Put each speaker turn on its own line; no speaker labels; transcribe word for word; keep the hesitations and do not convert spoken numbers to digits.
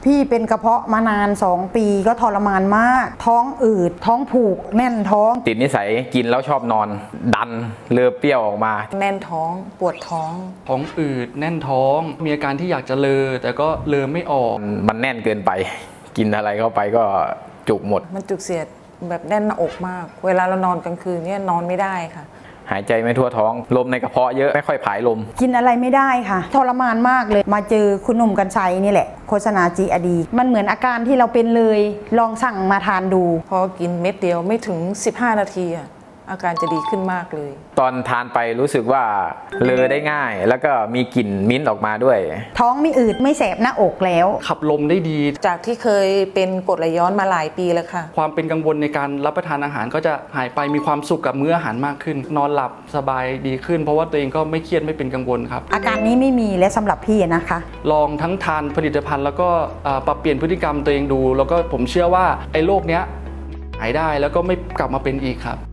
พี่เป็นกระเพาะมานานสองปีก็ทรมานมากท้องอืดท้องผูกแน่นท้อง
ติดนิสัยกินแล้วชอบนอนดันเลือเปรี้ยวออกมา
แน่นท้องปวดท้อง
ท้องอืดแน่นท้องมีอาการที่อยากจะเลอแต่ก็เลอไม่ออก
มันแน่นเกินไปกินอะไรเข้าไปก็จุกหมด
มันจุกเสียดแบบแน่นหน้าอกมากเวลาเรานอนกลางคืนเนี่ยนอนไม่ได้ค่ะ
หายใจไม่ทั่วท้องลมในกระเพาะเยอะไม่ค่อยผายลม
กินอะไรไม่ได้ค่ะทรมานมากเลยมาเจอคุณหนุ่มกรรชัยนี่แหละโฆษณาจีอดีมันเหมือนอาการที่เราเป็นเลยลองสั่งมาทานดู
พอกินเม็ดเดียวไม่ถึงสิบห้านาทีอะอาการจะดีขึ้นมากเลย
ตอนทานไปรู้สึกว่าเลอได้ง่ายแล้วก็มีกลิ่นมิ้นท์ออกมาด้วย
ท้องไม่อืดไม่แสบหน้าอกแล้ว
ขับลมได้ดี
จากที่เคยเป็นกรดไหลย้อนมาหลายปีแล้วค่ะ
ความเป็นกังวลในการรับประทานอาหารก็จะหายไปมีความสุขกับมื้ออาหารมากขึ้นนอนหลับสบายดีขึ้นเพราะว่าตัวเองก็ไม่เครียดไม่เป็นกังวลครับ
อาการนี้ไม่มีและสำหรับพี่นะคะ
ลองทั้งทานผลิตภัณฑ์แล้วก็ปรับเปลี่ยนพฤติกรรมตัวเองดูแล้วก็ผมเชื่อว่าไอ้โรคเนี้ยหายได้แล้วก็ไม่กลับมาเป็นอีกครับ